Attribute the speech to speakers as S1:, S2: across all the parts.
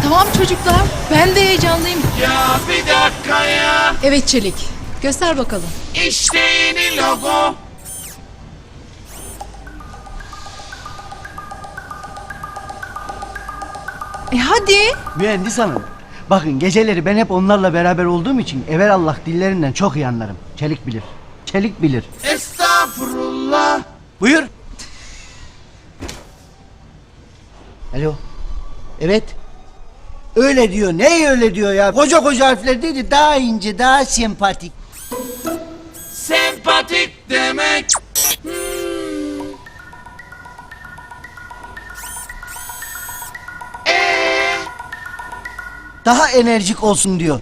S1: Tamam çocuklar, ben de heyecanlıyım.
S2: Ya bir dakika ya.
S1: Evet Çelik, göster bakalım.
S2: İşte yeni logo.
S1: Hadi.
S3: Mühendis hanım. Bakın geceleri ben hep onlarla beraber olduğum için evelallah dillerinden çok iyi anlarım. Çelik bilir. Çelik bilir.
S2: Estağfurullah.
S3: Buyur. Alo. Evet. Öyle diyor. Ne öyle diyor ya? Koca koca harfler dedi. Daha ince, daha sempatik.
S2: Sempatik demek.
S3: Daha enerjik olsun diyor.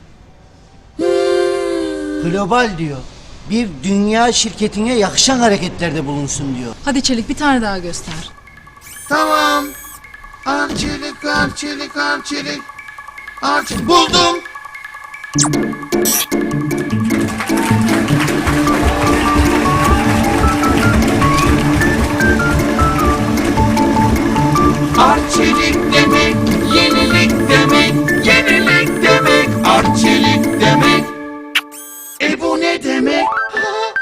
S3: Global diyor. Bir dünya şirketine yakışan hareketlerde bulunsun diyor.
S1: Hadi Çelik, bir tane daha göster.
S2: Tamam. Arçelik, arçelik, arçelik. Arçelik. Buldum. Arçelik demek, yenilik demek, yenilik demek, arçelik demek. Bu ne demek?